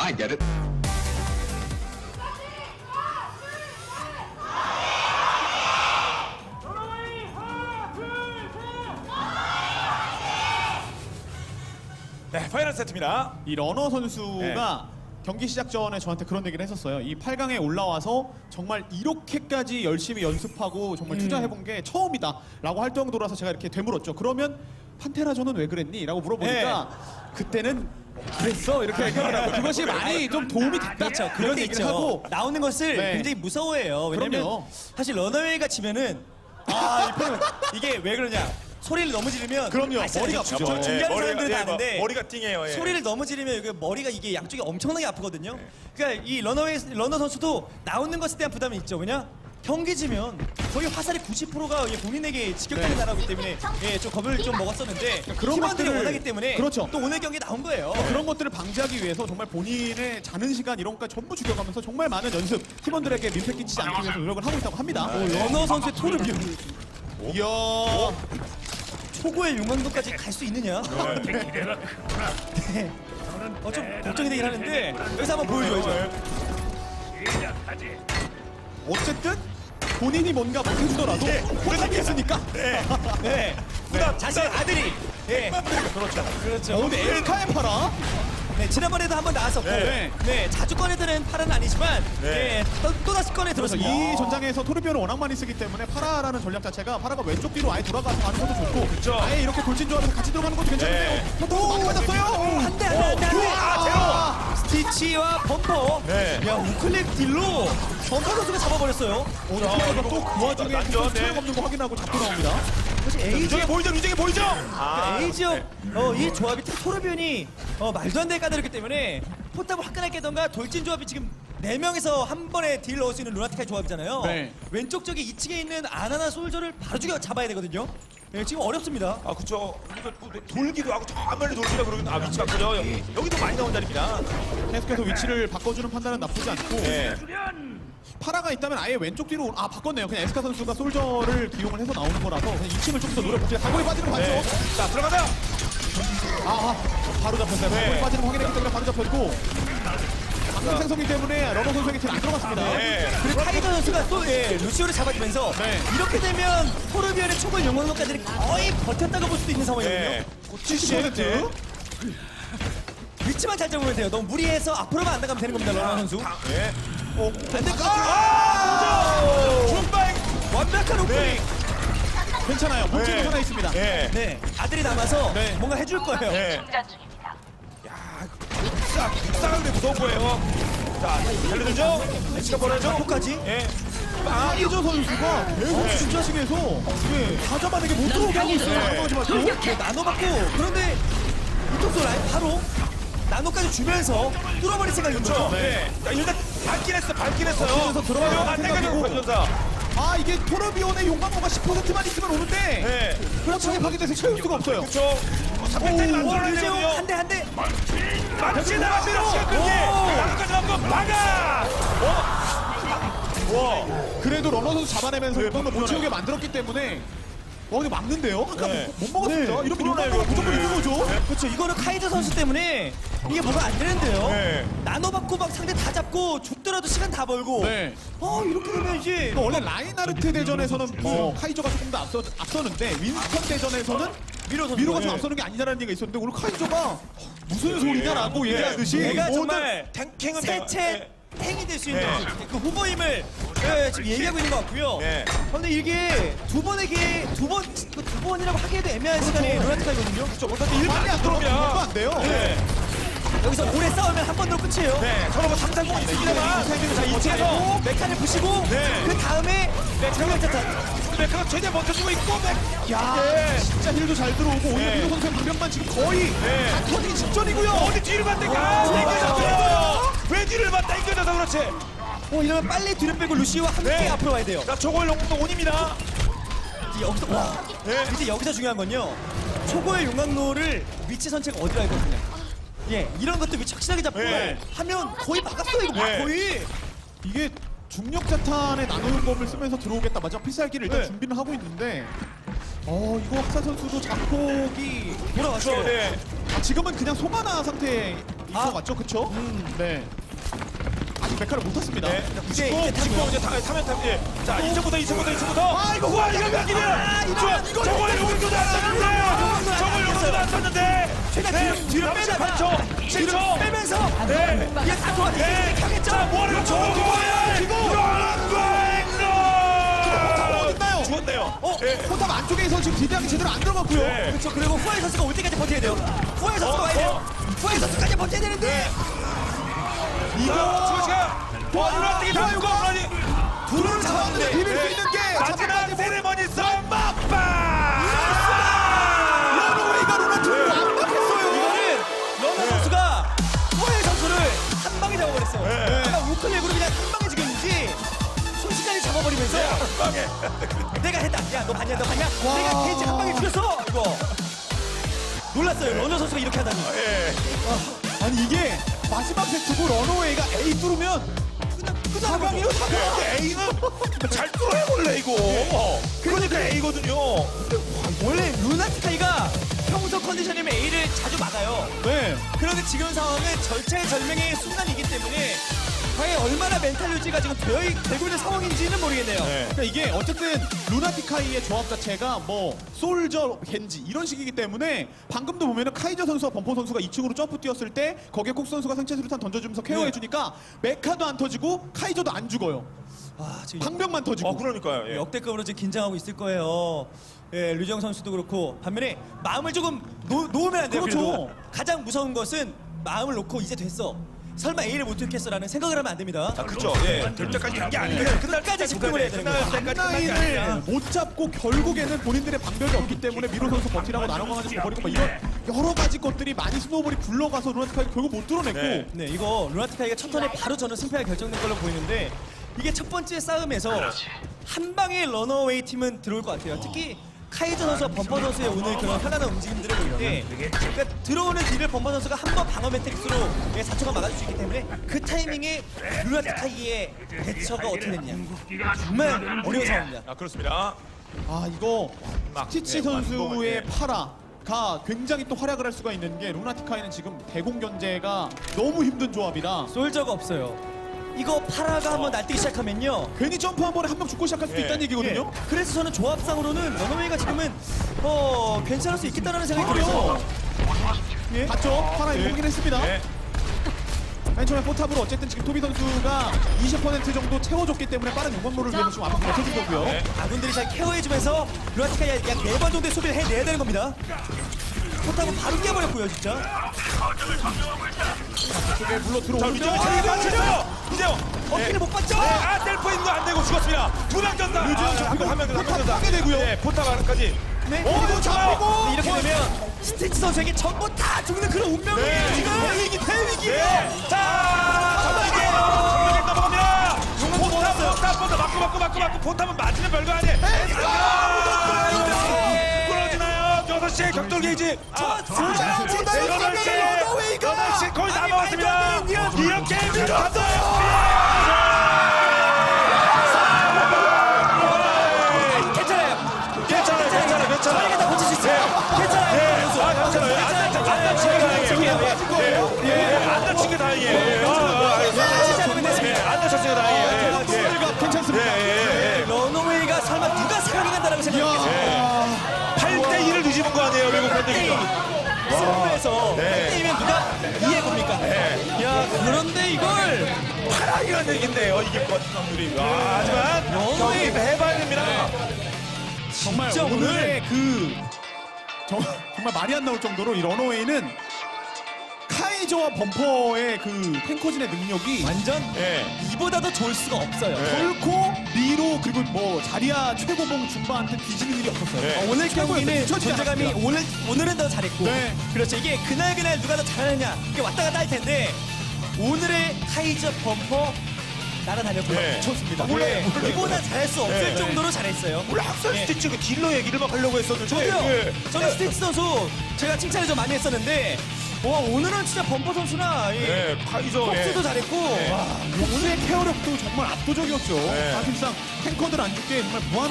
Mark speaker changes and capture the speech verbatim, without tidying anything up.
Speaker 1: I get it.
Speaker 2: 네, 파이널 세트입니다.
Speaker 3: 이 러너 선수가
Speaker 2: 네.
Speaker 3: 경기 시작 전에 저한테 그런 얘기를 했었어요. 이 팔 강에 올라와서 정말 이렇게까지 열심히 연습하고 정말 투자해본 게 처음이다 라고 할 정도라서 제가 이렇게 되물었죠. 그러면 판테라전은 왜 그랬니? 라고 물어보니까 그때는 그랬어 이렇게 얘기를 하고 그것이 많이 좀 도움이 됐다.
Speaker 4: 그렇죠. 그런
Speaker 3: 그런
Speaker 4: 게
Speaker 3: 얘기를
Speaker 4: 있죠.
Speaker 3: 하고
Speaker 4: 나오는 것을
Speaker 3: 네.
Speaker 4: 굉장히 무서워해요. 왜냐면
Speaker 3: 그럼요.
Speaker 4: 사실 러너웨이가 지면은 아, 이 팬은 이게 왜 그러냐? 소리를 너무 지르면
Speaker 3: 그럼요.
Speaker 4: 아시잖아요.
Speaker 3: 머리가
Speaker 4: 중-
Speaker 3: 아프죠.
Speaker 4: 중계하는 사람들은 다
Speaker 2: 예,
Speaker 4: 아는데
Speaker 2: 머리가 띵해요. 예.
Speaker 4: 소리를 너무 지르면 이게 머리가 이게 양쪽이 엄청나게 아프거든요. 그러니까 이 러너웨이 러너 선수도 나오는 것에 대한 부담이 있죠. 왜냐? 경기 지면 거의 화살의 구십 퍼센트가 본인에게 직격하는
Speaker 3: 네.
Speaker 4: 나라기 때문에 예, 좀 겁을 좀 먹었었는데
Speaker 3: 그런
Speaker 4: 팀원들이
Speaker 3: 것들을-
Speaker 4: 원하기 때문에
Speaker 3: 그렇죠.
Speaker 4: 또 오늘 경기 나온 거예요.
Speaker 3: 그런 것들을 방지하기 위해서 정말 본인의 자는 시간 이런 것까지 전부 죽여가면서 정말 많은 연습 팀원들에게 민폐 끼치지 않기 위해서 노력을 하고 있다고 합니다.
Speaker 4: 오, 러너 선수의 토르비온
Speaker 3: 이야
Speaker 4: 초고의 용광도까지 갈 수 있느냐? 네. 어, 좀 걱정이 되긴 하는데 여기서 한번 보여줘야죠.
Speaker 3: 어쨌든 본인이 뭔가 못해주더라도 포탑이 있으니까.
Speaker 4: 네.
Speaker 2: 부담,
Speaker 4: 자신의 아들이. 예.
Speaker 3: 그렇죠.
Speaker 4: 그렇죠.
Speaker 3: 어, 근데 에스카의 파라.
Speaker 4: 네, 지난번에도 한번 나왔었고,
Speaker 2: 네.
Speaker 4: 네, 자주 꺼내드는 팔은 아니지만,
Speaker 2: 네.
Speaker 4: 네, 또, 또 다시 꺼내
Speaker 3: 그래서
Speaker 4: 들었습니다.
Speaker 3: 이 전장에서 토르비온을 워낙 많이 쓰기 때문에 파라라는 전략 자체가 파라가 왼쪽 뒤로 아예 돌아가서 가는 것도 좋고
Speaker 2: 그쵸.
Speaker 3: 아예 이렇게 돌진 조합에서 같이 들어가는 것도 괜찮은데요.
Speaker 2: 네.
Speaker 3: 또 많이 맞았어요.
Speaker 4: 한 대, 한 대, 한 대, 한 대.
Speaker 2: 아,
Speaker 4: 스티치와 범퍼.
Speaker 2: 네.
Speaker 4: 야, 우클릭 딜로 범퍼 선수가 잡아버렸어요.
Speaker 3: 오, 또그 와중에
Speaker 2: 난전,
Speaker 3: 체력
Speaker 2: 네.
Speaker 3: 없는 거 확인하고 잡고 나옵니다.
Speaker 4: 사실 에이지
Speaker 2: 유정이 보이죠? 유정이 보이죠? 아,
Speaker 4: 에이지어 어, 이 조합이 토르비온이 어, 말도 안 되게 까다롭기 때문에 포탑을 화끈하게 깨던가 돌진 조합이 지금 네 명에서 한 번에 딜 넣을 수 있는 루나티카의 조합이잖아요.
Speaker 3: 네.
Speaker 4: 왼쪽 쪽에 이 층에 있는 아나나 솔저를 바로 죽여 잡아야 되거든요. 네, 지금 어렵습니다.
Speaker 2: 아 그쵸. 이거 뭐 돌기도 하고 저 멀리 돌기라 그러긴 아 위치 바꾸죠. 여기 여기도 많이 나온 자리입니다.
Speaker 3: 계속해서 위치를 바꿔주는 판단은 나쁘지 않고
Speaker 2: 네.
Speaker 3: 파라가 있다면 아예 왼쪽 뒤로 아 바꿨네요. 그냥 에스카 선수가 솔저를 기용을 해서 나오는 거라서 그냥 이 층을 좀 더 노려보죠. 사고에 빠지는 거 봤죠?
Speaker 2: 네. 자 들어가자.
Speaker 3: 아, 아 바로 잡혔어요.
Speaker 2: 네.
Speaker 3: 사고에 빠지는 거 확인했기 때문에 바로 잡혔고 방금 생성기 때문에 러너 선수에게 딜 안 들어갔습니다.
Speaker 2: 네.
Speaker 4: 그리고 카이저 선수가 또 예, 루시오를 잡아주면서
Speaker 3: 네.
Speaker 4: 이렇게 되면 토르비온의 초벌 영광로까지 거의 버텼다고 볼 수도 있는 상황이거든요.
Speaker 2: 네.
Speaker 3: 칠십 퍼센트.
Speaker 4: 위치만 잘 잡으면 돼요. 너무 무리해서 앞으로만 안 나가면 되는 겁니다, 러너 선수.
Speaker 2: 네.
Speaker 4: 어, 근데
Speaker 2: 아! 중발.
Speaker 4: 완벽한 오프닝.
Speaker 2: 네.
Speaker 3: 괜찮아요. 문제는
Speaker 2: 네.
Speaker 3: 하나 있습니다.
Speaker 2: 네.
Speaker 4: 네, 아들이 남아서
Speaker 3: 네.
Speaker 4: 뭔가 해줄 거예요.
Speaker 2: 네. 싹, 싹은 데 무서운 거예요. 자, 달려들죠? 엑스가 벌어야죠?
Speaker 4: 끝까지.
Speaker 2: 예.
Speaker 3: 파이저 선수가 계속 진짜식에서 예, 다 잡아내게 못 들어오게 하고 있어요.
Speaker 2: 네.
Speaker 3: 나머지 맞고.
Speaker 4: 네, 나눠받고 그런데 이쪽도 라인 바로 나노까지 주면서 뚫어버릴 생각인 거죠.
Speaker 2: 네. 자, 일단 밟긴 했어, 밟긴 했어요.
Speaker 3: 그래서 들어가요.
Speaker 2: 안 돼가지고 관전사.
Speaker 3: 아 이게 토르비온의 용광로가 십 퍼센트만 있으면 오는데
Speaker 2: 네.
Speaker 3: 그렇죠. 파괴돼서 채울 수가 없어요.
Speaker 2: 그쵸. 삼백 대를
Speaker 4: 오,
Speaker 2: 만들어야
Speaker 4: 류재용
Speaker 2: 되거든요.
Speaker 4: 한대 한 대.
Speaker 2: 맞지 나갑니다. 시간 끌기. 나까지 한번 막아. 어? 와.
Speaker 3: 그래도 러너 선수 잡아내면서
Speaker 2: 네,
Speaker 3: 용광로 못
Speaker 2: 그러네.
Speaker 3: 채우게 만들었기 때문에 어 이거 막는데요? 아까
Speaker 2: 네.
Speaker 3: 못 먹었습니다.
Speaker 4: 네.
Speaker 3: 이러면
Speaker 2: 그러네요,
Speaker 3: 용광로가 무조건
Speaker 2: 이거.
Speaker 3: 이긴 거죠.
Speaker 4: 그렇죠. 이거는 카이저 선수 때문에 이게 뭐가 안 되는데요.
Speaker 2: 네.
Speaker 4: 나눠받고 막 상대 다 잡고 죽더라도 시간 다 벌고.
Speaker 3: 네.
Speaker 4: 어 이렇게 되면 이제
Speaker 3: 또 원래 라인하르트 대전에서는 뭐 카이저가 조금 더 앞서, 앞서는데 윈스턴 대전에서는
Speaker 4: 미로 선수.
Speaker 3: 미로가 좀
Speaker 4: 예.
Speaker 3: 앞서는 게 아니냐라는 얘기가 있었는데 오늘 카이저가 무슨 소리냐라고 얘기하듯이
Speaker 4: 내가
Speaker 3: 모든
Speaker 4: 정말
Speaker 2: 탱킹은
Speaker 4: 세체 탱이 될 수 있는
Speaker 2: 네.
Speaker 4: 그 후보임을 예, 지금 얘기하고 있는 것 같고요.
Speaker 2: 네.
Speaker 4: 그런데 이게 두 번의 기회, 두 번, 두 번이라고 하기에도 애매한 시간이 루나티카이거든요.
Speaker 2: 그렇죠. 못하지 일반이 안
Speaker 3: 들어오면
Speaker 2: 들어오면.
Speaker 3: 안 돼요.
Speaker 2: 네.
Speaker 4: 여기서 오래 싸우면 한 번 더 끝이에요.
Speaker 2: 네. 서로 뭐 상상공이 있습니다만. 자, 이 층에서
Speaker 4: 메카를 부시고
Speaker 2: 네.
Speaker 4: 그 다음에 정면차탄.
Speaker 2: 메카가 최대한 버텨주고 있고. 메-
Speaker 3: 야
Speaker 2: 네.
Speaker 3: 진짜 힐도 잘 들어오고 오히려
Speaker 2: 네.
Speaker 3: 미로 선수의 방벽만 지금 거의
Speaker 2: 네.
Speaker 3: 다 터지기 직전이고요.
Speaker 2: 어디 뒤를 봤대? 아, 당겨졌어요. 왜 뒤를 봤? 당겨져서 그렇지.
Speaker 4: 어 이러면 빨리 뒤를 빼고 루시와 함께
Speaker 2: 네.
Speaker 4: 앞으로 와야 돼요.
Speaker 2: 자, 저걸 용도 온입니다.
Speaker 4: 이제 여기서 와.
Speaker 2: 네.
Speaker 4: 이제 여기서 중요한 건요. 초고의 용광로를 위치 선택 어디로 할 거냐. 예, 이런 것도 위치 확실하게 잡고
Speaker 2: 네.
Speaker 4: 하면 거의 막았어 이거
Speaker 2: 네.
Speaker 4: 거의.
Speaker 3: 이게 중력 자탄의 나노용검을 쓰면서 들어오겠다. 마지막 필살기를 일단
Speaker 2: 네.
Speaker 3: 준비는 하고 있는데 어 이거 학산 선수도 자폭이
Speaker 4: 돌아왔어요.
Speaker 2: 네.
Speaker 3: 아, 지금은 그냥 송하나 상태에 아. 맞죠? 그쵸? 네. 아직 메카를 못 탔습니다.
Speaker 2: 네.
Speaker 4: 이제
Speaker 2: 고
Speaker 4: 이제
Speaker 2: 고 이제 다 타면 타면 예. 자, 이층부터 이층부터 이층부터. 아, 이거 와, 이거 몇 개야? 이거 저걸 용도도 안 썼는데. 저걸 용도도 안 썼는데.
Speaker 4: 최대한
Speaker 2: 네,
Speaker 4: 뒤로- 뒤로
Speaker 2: 삼십팔 초, 칠 초.
Speaker 4: 빼면서
Speaker 2: 네.
Speaker 4: 이게 다 도와
Speaker 2: 네.
Speaker 4: 하겠죠?
Speaker 2: 자, 뭐하는 거 저거 뭐야? 이거
Speaker 3: 어딨나요?
Speaker 2: 죽었네요.
Speaker 4: 어?
Speaker 2: 예.
Speaker 3: 포탑 안쪽에서 지금 디디하기 제대로 안 들어갔고요.
Speaker 2: 네.
Speaker 4: 그렇죠. 그리고 후아이 선수가 올 때까지 버텨야 돼요. 후아이 선수가
Speaker 2: 어,
Speaker 4: 와야 돼요.
Speaker 2: 어.
Speaker 4: 후아이 선수까지 버텨야 되는데
Speaker 2: 이거 지금 시간. 와, 누나띠기 다 이거 아니.
Speaker 4: 둘을 잡았는데
Speaker 3: 비빌 수 있는 게
Speaker 2: 마지막 세레머니 썸마빠.
Speaker 3: 러너웨이가 루나틱을 완벽했어요.
Speaker 4: 이거는 러너 선수가 후아이 선수를 한 방에 잡아버렸어요.
Speaker 2: 네.
Speaker 4: 그러니까 우클릭으로 그냥 한 방에 죽였는지 순식간에 잡아버리면서
Speaker 2: 빵에.
Speaker 4: 내가 했다. 야, 너 봤냐? 너 봤냐? 내가 케이지 한 방에 죽였어. 이거 놀랐어요. 러너 선수가 이렇게 하다니.
Speaker 2: 예.
Speaker 3: 아니 이게 마지막 세트고 러너웨이가 A 뚫으면 그냥 사강이요 사강.
Speaker 2: 근데 A는 잘 뚫어야 원래 이거. 그러니까 A거든요.
Speaker 4: 원래 루나티카이가 평소 컨디션이면 A를 자주 막아요.
Speaker 3: 네.
Speaker 4: 그런데 지금 상황은 절체절명의 순간이기 때문에 과연 얼마나 멘탈 유지가 지금 되어 있, 되고 있는 상황인지는 모르겠네요.
Speaker 2: 네.
Speaker 3: 그러니까 이게 어쨌든 루나티카이의 조합 자체가 뭐 솔저, 겐지 이런 식이기 때문에 방금도 보면은 카이저 선수와 범퍼 선수가 이 층으로 점프 뛰었을 때 거기에 콕 선수가 상체 수류탄 던져주면서 케어해주니까 메카도 안 터지고 카이저도 안 죽어요.
Speaker 4: 아, 지금
Speaker 3: 방벽만 터지고.
Speaker 2: 어, 그러니까요. 예.
Speaker 4: 역대급으로 지금 긴장하고 있을 거예요. 예, 류정 선수도 그렇고 반면에 마음을 조금 놓, 놓으면 안 돼요.
Speaker 3: 그렇죠.
Speaker 4: 그래도. 가장 무서운 것은 마음을 놓고 이제 됐어. 설마 A를 못 뚫겠어라는 생각을 하면 안 됩니다.
Speaker 2: 아, 그렇죠. 예. 될 때까지 간 게 아니에요.
Speaker 4: 끝까지 집중을 해야 되는 거예요.
Speaker 2: 끝날 때까지 끝난 게
Speaker 3: 라인을
Speaker 2: 아니라.
Speaker 3: 못 잡고 결국에는 본인들의 방벽이 없기 때문에 미로 선수 버티라고 나눠 가지고 버리고 뭐 이런 여러 가지 것들이 많이 스노우볼이 굴러가서 루나티카이가 결국 못 뚫어냈고
Speaker 2: 네.
Speaker 4: 네, 이거 루나티카이가 첫 턴에 바로 저는 승패가 결정된 걸로 보이는데 이게 첫 번째 싸움에서 한 방에 러너웨이 팀은 들어올 것 같아요. 특히 카이저 선수와 범퍼 선수의 오늘 그런 편안한 움직임들을 볼 때 그러니까 들어오는 딜을 범퍼 선수가 한 번 방어 매트릭스로 사 초간 막아줄 수 있기 때문에 그 타이밍에 루나티카이의 대처가 어떻게 됐냐 정말 어려운 상황입니다.
Speaker 2: 아, 그렇습니다.
Speaker 3: 아 이거
Speaker 2: 막,
Speaker 3: 스티치
Speaker 2: 예,
Speaker 3: 선수의
Speaker 2: 완공을, 예.
Speaker 3: 파라가 굉장히 또 활약을 할 수가 있는 게 루나티카이는 지금 대공 견제가 너무 힘든 조합이라
Speaker 4: 솔저가 없어요. 이거 파라가 한번 날뛰기 시작하면요.
Speaker 3: 괜히 점프 한 번에 한 명 죽고 시작할 수도
Speaker 2: 예.
Speaker 3: 있다는 얘기거든요.
Speaker 4: 예. 그래서 저는 조합상으로는 러너웨이가 지금은 어 괜찮을 수 있겠다는 생각이 들어요.
Speaker 3: 예. 봤죠? 파라 이거
Speaker 2: 예.
Speaker 3: 보긴 했습니다.
Speaker 2: 예.
Speaker 3: 맨 처음에 포탑으로 어쨌든 지금 토비 선수가 이십 퍼센트 정도 채워줬기 때문에 빠른 용광로를 위해서 지금 앞으로 버텨준 거고요.
Speaker 2: 네.
Speaker 4: 아군들이 잘 케어해주면서 루나티카이 약 네 번 정도의 소비를 해내야 되는 겁니다. 포탑은 바로 깨버렸고요, 진짜.
Speaker 3: 쪽에 물러
Speaker 2: 자,
Speaker 3: 들어오죠.
Speaker 2: 위쪽에 자리 맞췄어요. 이제요.
Speaker 4: 어깨를 못 봤죠?
Speaker 2: 네. 아, 셀프 있는 거 안 되고 죽었습니다. 두명 졌다.
Speaker 3: 류지영
Speaker 2: 아,
Speaker 3: 잡히고
Speaker 2: 한명 더,
Speaker 3: 포탑
Speaker 2: 한명 더.
Speaker 3: 따게 되고요.
Speaker 2: 네, 포탑 안까지.
Speaker 4: 네.
Speaker 2: 오,
Speaker 3: 그리고 잡히고
Speaker 4: 이렇게 되면 스티치 선수에게 전부 다 죽는 그런 운명이에요,
Speaker 2: 네.
Speaker 4: 지금.
Speaker 3: 대위기 대위기.
Speaker 2: 네. 자, 정면에 정면에 넘어갑니다. 포탑, 포탑, 포탑 맞고 맞고 맞고 맞고 포탑은 맞으면 별거 아니에요. 끊어지나요? 여섯 시에 격돌 게이지. 아,
Speaker 3: 진짜 진짜
Speaker 2: 여덟 시,
Speaker 3: 러너웨이가.
Speaker 2: 여덟 시 거의 다
Speaker 4: 아니,
Speaker 2: 먹었습니다.
Speaker 4: 말도 안 되는
Speaker 2: 이렇게 밀었어요.
Speaker 4: 괜찮아요.
Speaker 2: 괜찮아요, 괜찮아요, 괜찮아요.
Speaker 4: 저희가 다 고칠 수 있어요.
Speaker 2: 네,
Speaker 4: 괜찮아요.
Speaker 2: 아, 괜찮아요. 안 다친 안 다친 게 다행이에요. 예, 예, 안 다친 게 다행이에요. 예, 아, 아,
Speaker 4: 다치지 않으면
Speaker 2: 예,
Speaker 4: 됐습니다.
Speaker 2: 안 다쳤어요, 다행이에요. 예, 예.
Speaker 3: 러너웨이가 괜찮습니다.
Speaker 2: 예, 예, 예.
Speaker 4: 러너웨이가 설마 누가 사랑이 간다라고 생각했겠어요?
Speaker 2: 팔 대 이를 뒤집은 거 아니에요, 외국 팬들이.
Speaker 4: 승부에서
Speaker 2: 네.
Speaker 4: 팔 대 이면 누가 이해해봅니까? 야, 그런데 이걸
Speaker 2: 파랑이라는 얘긴데요, 이게 번 확률이. 와, 하지만 경기 해봐야 됩니다.
Speaker 3: 정말
Speaker 4: 진짜
Speaker 3: 오늘의 그 정, 정말 말이 안 나올 정도로 이 러너웨이는 카이저와 범퍼의 그 탱커진의 능력이
Speaker 4: 완전
Speaker 2: 예.
Speaker 4: 이보다 더 좋을 수가 없어요.
Speaker 2: 네.
Speaker 3: 결코 미로 그리고 뭐 자리아 최고봉 중반한테 뒤지는 일이 없었어요.
Speaker 2: 네.
Speaker 4: 어, 오늘
Speaker 3: 최고에서
Speaker 4: 경기는
Speaker 3: 뒤처지지
Speaker 4: 존재감이
Speaker 3: 않았습니다.
Speaker 4: 오늘 오늘은 더 잘했고,
Speaker 3: 네.
Speaker 4: 그렇죠. 이게 그날 그날 누가 더 잘하느냐 이게 왔다 갔다 할 텐데 오늘의 카이저 범퍼 날아다녔고요.
Speaker 2: 네.
Speaker 3: 좋습니다.
Speaker 4: 원래
Speaker 2: 몰라요,
Speaker 4: 이보다
Speaker 2: 몰라요.
Speaker 4: 잘할 수 없을
Speaker 2: 네, 네.
Speaker 4: 정도로 잘했어요.
Speaker 2: 원래 학살
Speaker 4: 예.
Speaker 2: 스티치 그 딜러 얘기를 막 하려고 했었는데.
Speaker 4: 저도요.
Speaker 2: 예.
Speaker 4: 저는 스티치 선수 제가 칭찬을 좀 많이 했었는데, 와 오늘은 진짜 범퍼 선수나 이
Speaker 2: 예, 파이저.
Speaker 4: 폭스도
Speaker 2: 예.
Speaker 4: 잘했고,
Speaker 2: 네.
Speaker 4: 와
Speaker 3: 오늘의 케어력도 정말 압도적이었죠.
Speaker 2: 네.
Speaker 3: 사실상 탱커들 안 죽게 정말 무한